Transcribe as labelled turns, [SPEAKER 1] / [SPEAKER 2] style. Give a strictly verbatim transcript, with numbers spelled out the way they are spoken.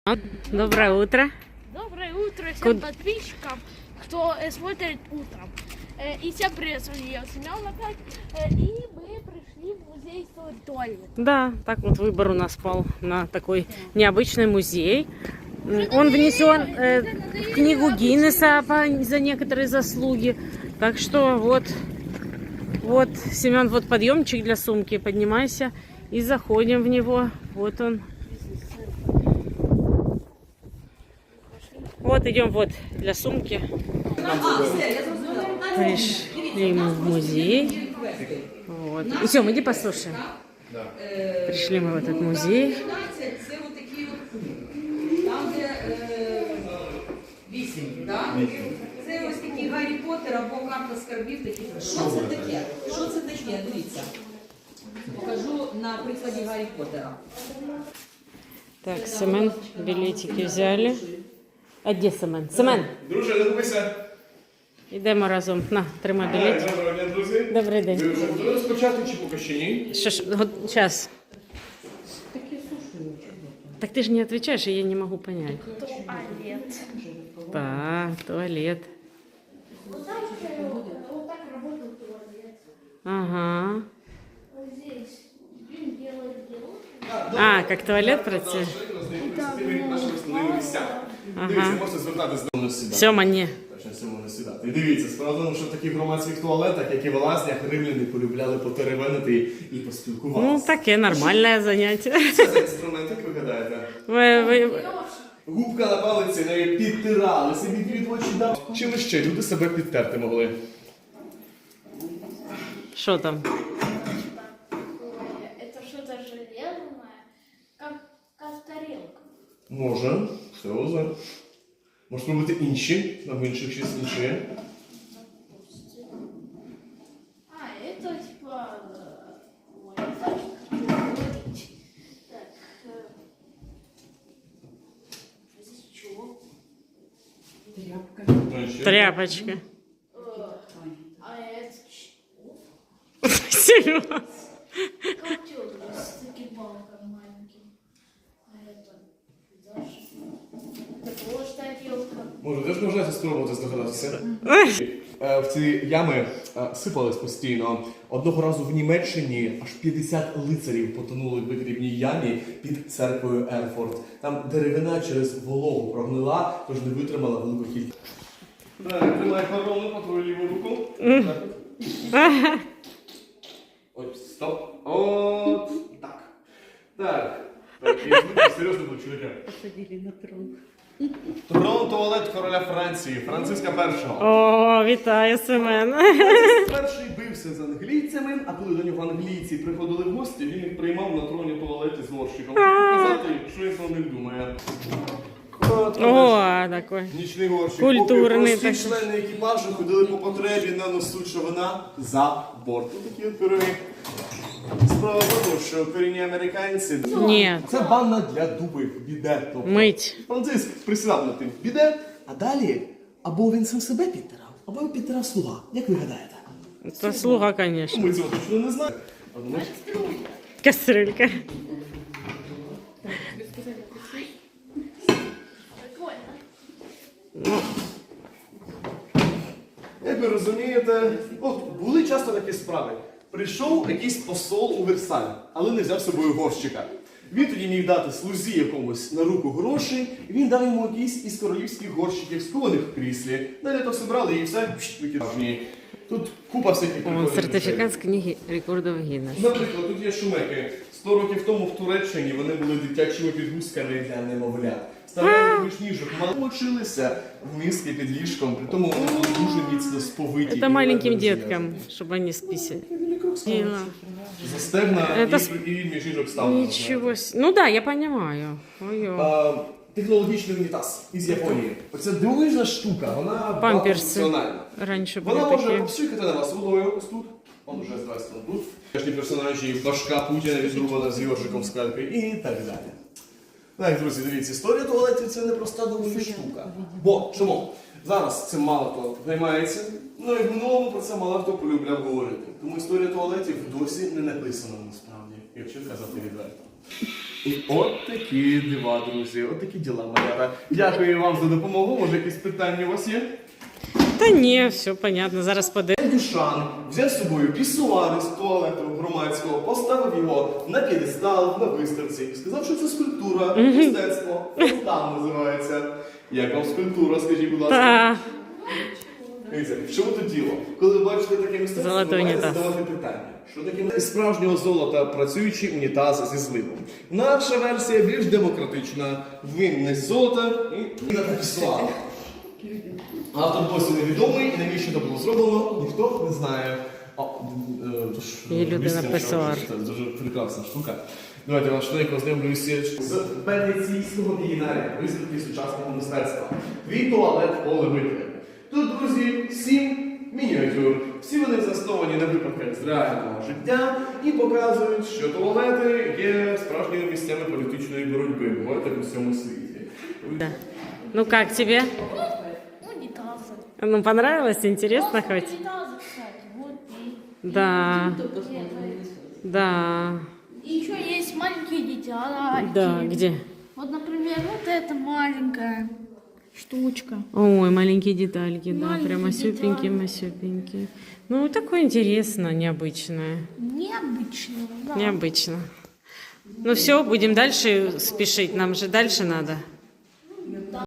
[SPEAKER 1] Доброе утро.
[SPEAKER 2] Доброе утро всем
[SPEAKER 1] Куд...
[SPEAKER 2] подписчикам, кто э, смотрит утром. Э, и всем привет, с вами я, Семен опять. Э, и мы пришли в музей истории туалет.
[SPEAKER 1] Да, так вот выбор у нас пал на такой необычный музей. Он внесен э, в книгу Гиннесса за некоторые заслуги. Так что вот, вот, Семен, вот подъемчик для сумки. Поднимайся и заходим в него. Вот он. Вот идем вот для сумки. Пришли мы в музей. Вот. Идем, иди послушаем. Пришли мы в этот музей.
[SPEAKER 3] Там, де вісім, так? Це ось такий Гаррі Поттер або карта скарбів. Такі. Що це таке? Що це таке? Дивіться. Покажу на прикладі Гаррі Поттера.
[SPEAKER 1] Так, Семен, билетики взяли. А де Семен? Семен!
[SPEAKER 4] Друже, не губися.
[SPEAKER 1] Ідемо разом. На, тримай білет.
[SPEAKER 4] Доброго дня, друзі.
[SPEAKER 1] Добрий день.
[SPEAKER 4] Ви вже готові розпочати чи поки ще ні?
[SPEAKER 1] Що ж, зараз. Так ты же не отвечаешь, и я не могу понять.
[SPEAKER 2] Туалет.
[SPEAKER 1] Да, туалет.
[SPEAKER 2] Вот так, вот так работает туалет.
[SPEAKER 1] Ага.
[SPEAKER 2] Вот здесь он делает дело.
[SPEAKER 1] А, как туалет пройти?
[SPEAKER 4] Дивіться, можете звертатися до нас сідати.
[SPEAKER 1] Сема, не.
[SPEAKER 4] Точно, Сьома не сідати. І дивіться, справа в тому, що в таких громадських туалетах, як і в лазнях, римляни полюбляли потеревенити і поспілкуватися.
[SPEAKER 1] Ну, таке нормальне заняття.
[SPEAKER 4] Це за інструмент, як ви гадаєте?
[SPEAKER 1] Ви, ви...
[SPEAKER 4] Губка на палиці, нею підтирали, собі від очі дав. Чим ще люди себе підтерти могли?
[SPEAKER 1] Що там?
[SPEAKER 2] Это что-то железное, как, как тарелка.
[SPEAKER 4] Може, все озер. Може спробувати інші, там в інших щось інше.
[SPEAKER 2] А, это типа... э, Ой, это как говорить. Так, э, здесь чего?
[SPEAKER 1] Тряпочка.
[SPEAKER 2] Э, А это чего?
[SPEAKER 1] Серьезно?
[SPEAKER 2] Котел с таким балком маленьким. А это даже... Это тоже тарелка.
[SPEAKER 4] Може, теж можна спробувати здогадатися? Е, В ці ями е, сипались постійно. Одного разу в Німеччині аж п'ятдесят лицарів потонули в вигрібній ямі під церквою Ерфорт. Там деревина через вологу прогнила, тож не витримала велику кількість. Так, тримай корону по твою ліву руку. Так. Ой, стоп. От так. Так. Так, я звук серйозно був чоловіка.
[SPEAKER 1] Посадили на трон.
[SPEAKER 4] Трон туалет короля Франції, Франциска першого.
[SPEAKER 1] О, вітаю, Семен.
[SPEAKER 4] Перший бився з англійцями, а коли до нього англійці приходили в гості, він їх приймав на троні туалеті з горщиком, щоб показати, що він про них думає.
[SPEAKER 1] О, такой.
[SPEAKER 4] Нічний горщик.
[SPEAKER 1] Культурний
[SPEAKER 4] Поки прості
[SPEAKER 1] такий.
[SPEAKER 4] члени екіпажу ходили по потребі на носу човна за борт. Ось такі от пироги. Справа в тому, що корінні американці...
[SPEAKER 1] Ні.
[SPEAKER 4] Це ванна для дубів, біде. Тобто.
[SPEAKER 1] Мить.
[SPEAKER 4] Франциск присідав над тим біде, а далі або він сам себе підтирав, або підтирав слуга. Як ви гадаєте?
[SPEAKER 1] Це слуга, конечно.
[SPEAKER 4] Ми цього точно не знаємо. А думаєш?
[SPEAKER 1] Кастрюлька.
[SPEAKER 2] Прикольно.
[SPEAKER 4] Як ви розумієте, от були часто такі справи. Прийшов якийсь посол у Версаль, але не взяв з собою горщика. Він тоді міг дати слузі якомусь на руку грошей, і він дав йому якийсь із королівських горщиків, скованих в кріслі. Далі то все брали і все викидав. Тут купа всяких
[SPEAKER 1] О,
[SPEAKER 4] прикольних речей.
[SPEAKER 1] сертифікат з книги рекордів Гіннесса.
[SPEAKER 4] Наприклад, тут є шумеки. Сто років тому в Туреччині вони були дитячими підгузками для немовлят. Ставляли між ніжок, мало мочилися в миски під ліжком, при тому вони були дуже міцно сповиті.
[SPEAKER 1] Это маленьким деткам, чтобы они списали.
[SPEAKER 4] Застегна
[SPEAKER 1] Это
[SPEAKER 4] і, і між ніжок ставлено.
[SPEAKER 1] Ничего себе. Ну да, я понимаю. Ой-ой.
[SPEAKER 4] А, технологічний унітаз із Японії. Оця дивовижна штука, вона
[SPEAKER 1] Памперси.
[SPEAKER 4] багатофункціональна.
[SPEAKER 1] Раньше были
[SPEAKER 4] Вона може
[SPEAKER 1] такие.
[SPEAKER 4] обсюхати на вас водою ось тут. Он уже з двох сторон тут. Кожні персонажі, башка Путіна відрубана з йоршиком скальпи і так далі. Так, друзі, дивіться, історія туалетів це не проста доволі штука. Бо, чому? Зараз цим мало хто займається, ну і в минулому про це мало хто полюбляв говорити. Тому історія туалетів досі не написана насправді, якщо казати відверто. І от такі дива, друзі, от такі діла, малята. Дякую вам за допомогу. Може, якісь питання у вас є?
[SPEAKER 1] Та ні, все понятно, зараз подивимось.
[SPEAKER 4] Дюшан взяв з собою пісуари з туалету громадського, поставив його на п'єдестал, на виставці і сказав, що це скульптура, мистецтво. Там називається. Як вам скульптура, скажіть, будь ласка.
[SPEAKER 1] Та.
[SPEAKER 4] Дивіться, в чому тут діло? Коли ви бачите таке мистецтво,
[SPEAKER 1] Золотий
[SPEAKER 4] ви маєте
[SPEAKER 1] унітаз.
[SPEAKER 4] задавати питання. Що таке із справжнього золота працюючий унітаз зі зливом? Наша версія більш демократична. Він не з золота і на пісуар. Автор досі невідомий, і навіщо це було зроблено, ніхто не знає. А, е, тож,
[SPEAKER 1] І людина
[SPEAKER 4] звісно, що
[SPEAKER 1] писар.
[SPEAKER 4] Це дуже прекрасна штука. Давайте я вас швидко ознайомлюся з венеційського бієнале виставки сучасного мистецтва. Твій туалет Оли Микли. Тут, друзі, сім мініатюр. Всі вони засновані на випадках з реального життя і показують, що туалети є справжніми місцями політичної боротьби, говорять в усьому світі.
[SPEAKER 1] Да. Ну как тебе?
[SPEAKER 2] Унитазы.
[SPEAKER 1] Ну понравилось, интересно хоть?
[SPEAKER 2] Унитазы, кстати, вот и...
[SPEAKER 1] Да, да,
[SPEAKER 2] И еще есть маленькие детали.
[SPEAKER 1] да, где?
[SPEAKER 2] Вот, например, вот эта маленькая штучка.
[SPEAKER 1] Ой, маленькие детальки, да,
[SPEAKER 2] Маленькие
[SPEAKER 1] прямо
[SPEAKER 2] детали.
[SPEAKER 1] сюпенькие-масюпенькие. Ну, такое интересно, необычное.
[SPEAKER 2] Необычно, да.
[SPEAKER 1] Необычно. Ну все, будем дальше спешить, нам же дальше надо.